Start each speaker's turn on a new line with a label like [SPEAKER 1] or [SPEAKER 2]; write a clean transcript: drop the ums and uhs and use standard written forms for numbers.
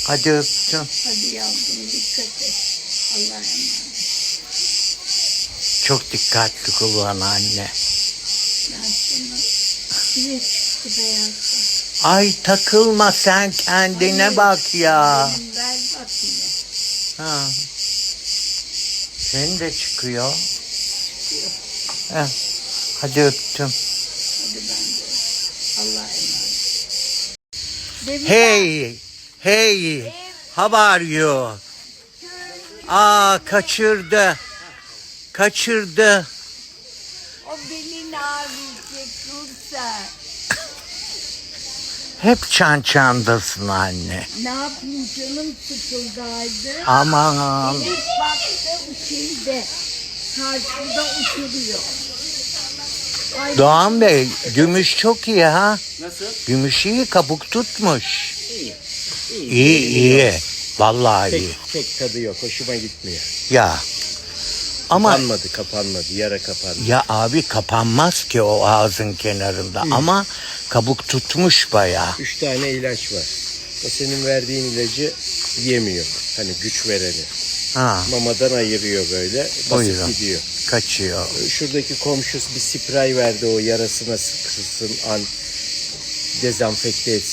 [SPEAKER 1] Hadi öptüm.
[SPEAKER 2] Hadi yavrum dikkat et. Allah'a emanet.
[SPEAKER 1] Çok dikkatli kullan anne.
[SPEAKER 2] Ben sana yine çıktı beyazlar.
[SPEAKER 1] Ay takılma sen kendine
[SPEAKER 2] Hayır,
[SPEAKER 1] bak ya.
[SPEAKER 2] benim ver bak yine.
[SPEAKER 1] Ha. Senin de çıkıyor.
[SPEAKER 2] Çıkıyor.
[SPEAKER 1] Heh. Hadi öptüm.
[SPEAKER 2] Hadi ben de. Allah'a emanet. Demin
[SPEAKER 1] Hey, hey, how are you? Aa, kaçırdı. Kaçırdı.
[SPEAKER 2] o belin ağrıyacak Nursel.
[SPEAKER 1] Hep çandasın anne.
[SPEAKER 2] Ne yapayım canım sıkıldaydı.
[SPEAKER 1] Aman.
[SPEAKER 2] Elif baktı şeyde. Karşımda oturuyor. Ay,
[SPEAKER 1] Doğan Bey, gümüş çok iyi ha.
[SPEAKER 3] Nasıl?
[SPEAKER 1] Gümüş iyi, kabuk tutmuş.
[SPEAKER 3] İyi.
[SPEAKER 1] İyi, iyi. Vallahi iyi.
[SPEAKER 3] Pek tadı yok. Hoşuma gitmiyor.
[SPEAKER 1] Ya. Ama
[SPEAKER 3] Kapanmadı. Yara kapandı.
[SPEAKER 1] ya abi kapanmaz ki o ağzın kenarında. Ama kabuk tutmuş bayağı.
[SPEAKER 3] 3 tane ilaç var. O senin verdiğin ilacı yemiyor. Hani güç vereni.
[SPEAKER 1] Ha,
[SPEAKER 3] Mamadan ayırıyor böyle.
[SPEAKER 1] Buyurun.
[SPEAKER 3] Basıp gidiyor.
[SPEAKER 1] kaçıyor.
[SPEAKER 3] Şuradaki komşusu bir sprey verdi o yarasına sıksın, dezenfekte etsin.